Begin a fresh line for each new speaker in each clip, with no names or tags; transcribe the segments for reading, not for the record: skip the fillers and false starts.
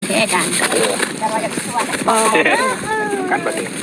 แค่กันแต่ว่าจะชวน
กันประเดี๋ยว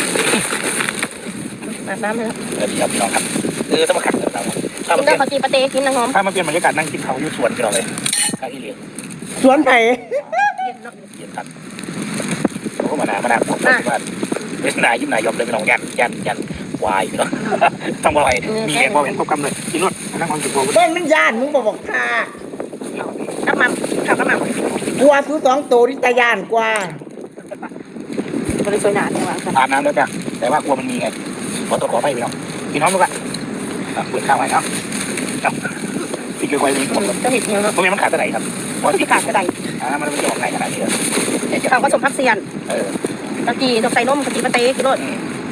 อาบน้ำเลย
เดี๋ยวพี่น้องครับต้องมาขัดกันเราถ้ามัน
ได้ขอจีปาเต้กินนะหอม
ถ้ามันเป็นบรรยากาศนั่งกินเขาอยู่สวนพี่น้องเลยใครที่เลี้ยง
สวนไผ่
เย็นครับผมก็มานาผมว่าเป็นนายยิ้มนายยอมเลยพี่น้องยันวายพี่น้องต้องบ่อยมีแรงพอเห็นควบกำเลยกินรถนั่งความจุกโบ
เบิ้งมันยานมึงบอกพา
กระมังข้าวกระมัง
กลัวซื้อ2 ตัวที่ตายานกว่า
บริสุทธิ์หนาแต่ว่า
อาบน้ำแล้วจ้ะแต่ว่ากลัวมันมีไงขอตัวขอไปพี่น้องพี่น้องลูกอะเปิดข้าวไว้เนาะพี่เกลือไว้มีหมด
จะเห็นยัง
เพราะมันขาดอะไรครับ
ที่ขาดกระได
มันจะออกไหนขนาดนี้เลย
เขาก็สมพักเซียนตะกี้ดอกไซนมกะทิปาเต้กินรถ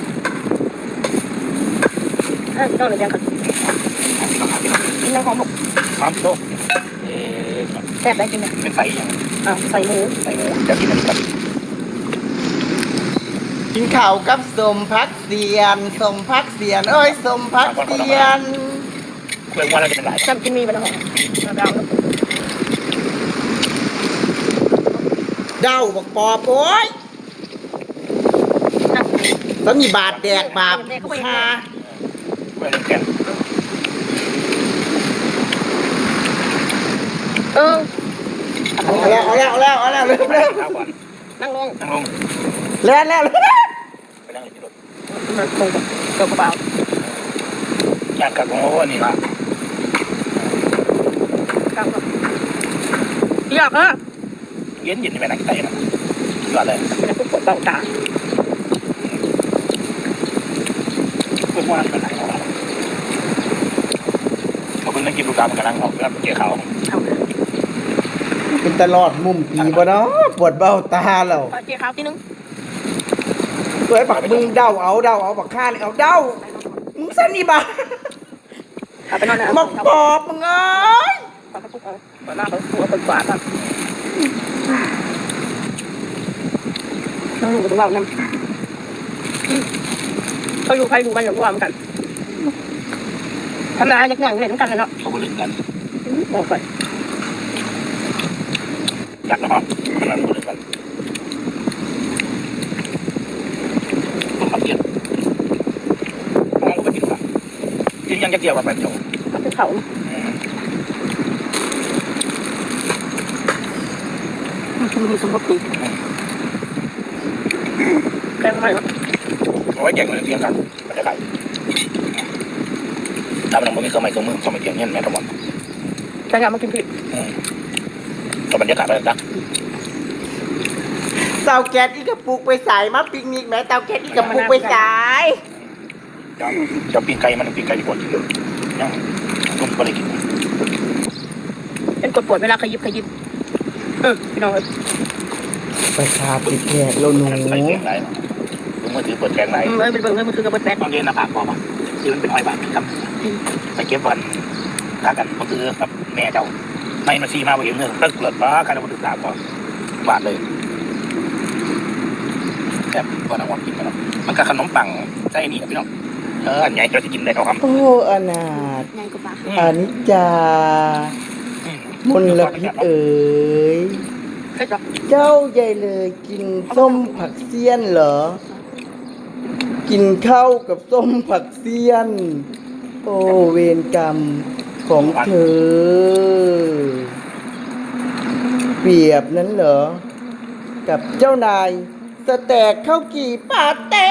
ต้องเลยยังค่ะกินน้ำหอม
ความโต
แซ่บได้กินไหม
เป็นไฟยัง
ใส่หมู
จะกินอะไรครับ
กินข้าวกับสมพักเสียนเอ้ยสมพักเสียน
เรื่องว่าเราจะเป็นไร
จำกินมีบ้างหรอ
เดาบอกปอบโอ้ยสมีบาทแดกบาปคา
เรื่องแก่
เอาแล้วเร็ว
นั่งลง
แล้ว
ไปนั่งที่รถ
มันคงกระเป๋า
อยากกับโอ้นี่ละ
อยากอ่ะ
เย็นไปนั่งใต้นะยอดเลย
เป็นผู้ปวดเบาตา
พวกว่าเป็นไหนของเราเขาเป็นนักกินลูกตามันกำลังออกแล้วเกี่ยวเขา
เป็นตลอดมุมปีบ่เนาะปวดเบ้าตาเรา
เกี่ยวเขาทีนึง
ตัวไอ้บักมึงเดาเอาบักข้าเลยเอาเดามึงสนิบะบักปอบมึงเอ้ย
หน้าเขาตัวเป็นกว่าครับน้องหนูกับเราเนี่ยเขาอยู่ใครอยู่มันอย่างว่ามันกันทำอะไรอย่างเล่นกันเลยเนาะ
เขาเล่นกัน
บอกก่อน
อยากนะครับขนาดเล่นกันต้องขับเย็นมองก็ไปกินกันยังจะเกี่ยวกับแบบโจ้
เป็นเขามีสมบูรณ์แกงอะไรวะ
เอาไว้แกงเหมือนเทียมกันบรรยากาศถ้ามันไม่เคยไม่เคยมือเขาไม่เทียมเงี้ยแม่ทั้งหมด
แกงมากินผิด
ก็บรรยากาศไปแล้ว
เตาแก๊สอีกกระปุกไปสายมาปิกนิกแม่เตาแก๊สอีกกระปุกไปสาย
จะปีนไก่มันปีนไก่ดีกว่าที่เดิมยังนุ่มก็เลยกิน
เป็นกดปวดเวลาขยิบพี่น้อง
ไปคาปิดแขกเราหนู
ใส่แกงไหนมือถือเปิดแกงไหน
เป็นเบิ่งมือถือกับเปิดแป๊ด
ต้องเรียนหน้าผากพอป่ะที่มันเป็นอ้อยบาทครับไปเก็บวันถ้ากันเขาซื้อกับแม่เจ้าไม่มาซีมาไปเองเงินตึกเกิดป้าการเอาถือตามก็บาทเลยแบบก็น้ำหวานกินไปแล้วมันก็ขนมปังไส้นี่พี่น้องอันใหญ่เราจะกินได้เอาครับ
โอ้อนาถอันนี้จามลพิษเอ๋ยเจ้าใหญ่เลยกินส้มผักเสี้ยนเหรอกินข้าวกับส้มผักเสี้ยนโอ้เวรกรรมของเธอเปรียบนั้นเหรอกับเจ้านายสแต็กข้าวกี่ปาเต้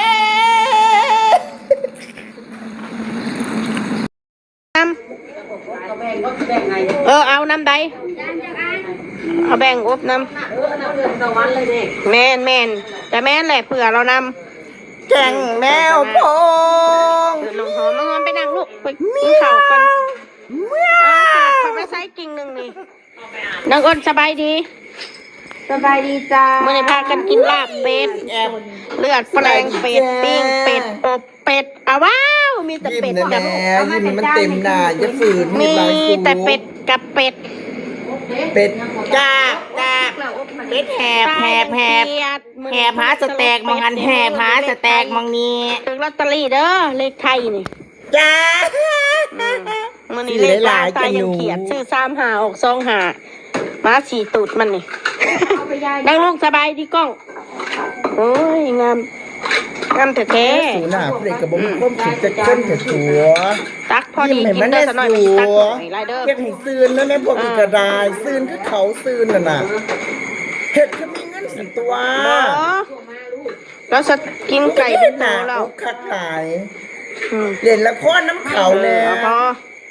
เอาน้ำใดเอาแบ่งอบน้ำแม่นแต่แม่นแหละเผื่อเราน
ำแกงแมวพง
ลงหอมไปนั่งลูกไปกินข้าวกันขอไปใช้กิ่งหนึ่งนี่น้องอ้นสบายดีจ้าเมื่อไหร่พากันกินลาบเป็ดเลือดแปลงเป็ดปิ้งเป็ดอบเป็ดว้าวมีแต่เป็ด
กับยิ้มมันเต็มหน้าอย่าฝืน
มีแต่เป็ดกับเป็ด
กากเป็ดแหบหาสแต็กมังอันแหบหาสแต็กมังนี้
ถึงลอตเตอรี่เด้อเลขไทยนี่
จ้า
มันนี่เลขตายยังเขียนชื่อ3 5 6 2 5 มาสีตูดมันนี่ นั่งลูกสบายดีกล้องโอ้ยงามแท้
สูหน้าเพื่อนกับบ่มีความคิดจะค้นแต่สัว
ๆตักพอดี
ยิ้มให้
กิ
มัน น
ได้
ได้
สักหน่อย
สั
ตัก
ว
หน่อยไรเด้อ
เฮ็ดให้ซื่นนั่นแหละพวกอีกระดายซื่นคือเขาซื่นน่ะน่ะเฮ็ดคือมีเงินสิตัว
บอแล้วจะกินไก่เป็นตัวแล้ว
คักหลาย
อืม
เล่นละครน้ำเขาแน่
พอ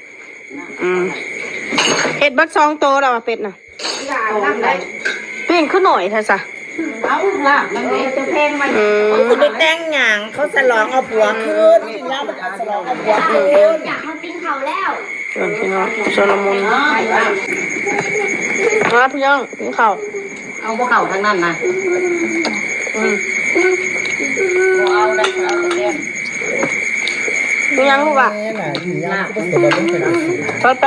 เห็ดบัดซองโตแล้วเป็ดน่ะเปลี่ยนขึ้นหน่อยเถอะสะ
เอาล่ะมันจะแพงไหม
คุณไปแต่งหยังเขาฉลองเอาผัวคืนที่แล้วมันฉลองเอาผัวคืน
อยากมากินเขาแล้ว
พี่น้องโซโลมอนพี่น้องกินข้าว
เอาพวกเขาทั้งนั้นนะเอาได้เอาเรียน
มียังลูกอ่ะ
แม่น่ะอยู่ยามก็บ่สบายเป็นจังซี่
ไป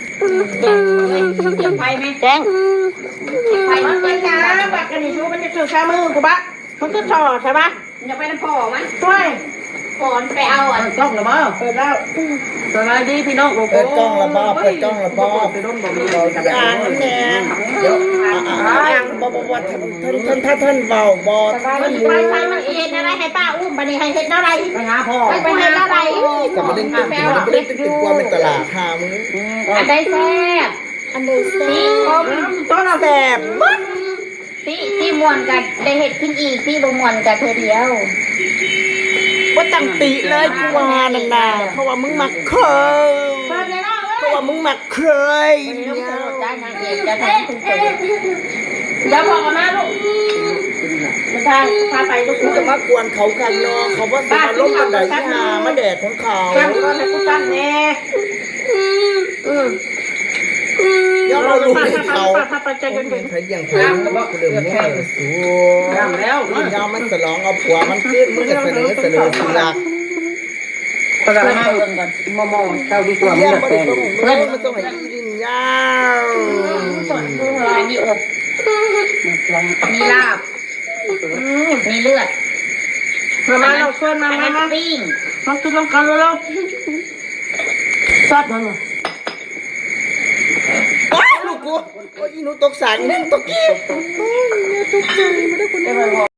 เก็บไฟไหม
แจ้ง
ไฟมันเป็น
จ้า
นะ
บักกันนี่ชูมันจะถือแค่มือกูปะมันก็ถอดใช่ปะ
อย่าไปน้ำพ่อมั้ย
ช่วย
ก่อนไปเอาอ่ะ
กล้องหรือเปล่าเปิดแล้วสวัสดีพี่น้อง
เปิดกล้องละบ่เปิดกล้องละบ่อ่างแน่เดี๋ยวอ่างบ่ท่านเว้าบ่ท่าน
ไปมันเห็นอะไรให้ป้าอุ้มบันนี้ให้เห็นอะไร
ไปหาพ่อ
ไปเห็นอะไร
กลับมาเล่นตึกกว่าเป็นตลาดหามื้อ
อันใดแซ่บ
อันใดแซ่บ
ต้นเอา
แซ่บบ่
ที่มวนกันได้เห็ดขึ้นอีกที่บ่มวนกันเธอเดียว
บ่ตั้งติเลยกูว่านั่นน่ะเพราะว่ามึงมักเคย
เปิดเลยนะ
เพราะว่ามึงมักเคยเนี่ย
ได้ทางเอกจะทำคุณเสด็จ
เดี๋ยวบอกกันนะลูกจะพาไปลูก
กูจะมากวนเขากันเนาะเขาว่าสิมาล้มกันได้ที่หามาแดดของเขา
ตั้งก่อนให้กูตั้งแน่
ยอมเราลูกให้เขา
ไปใจเย็น
เป็นไทยอย่างไทยกูเดิมมุ่งเลยสู
ๆแล้ว
ยอมมันสลองเอาผัวมันขึ้นมึงจะเสนอสิลัก
เพื่อนให้เงินก่อนมอเจ้าดีกว่า
เยี่ยมบริสุทธิ์เพื่อนมันต้องให้อีดินยาว
อันนี้อบมีลาบมีเลือด
มาเราชวนมา
อันนั้น
มา
ปิ้ง
มากินน้ำกันแล้วซัดมัน
ลูกกูโอ้ยหนูตกสารนี่ตกกี้โอ้ยตกใจไม่ได้คนนี้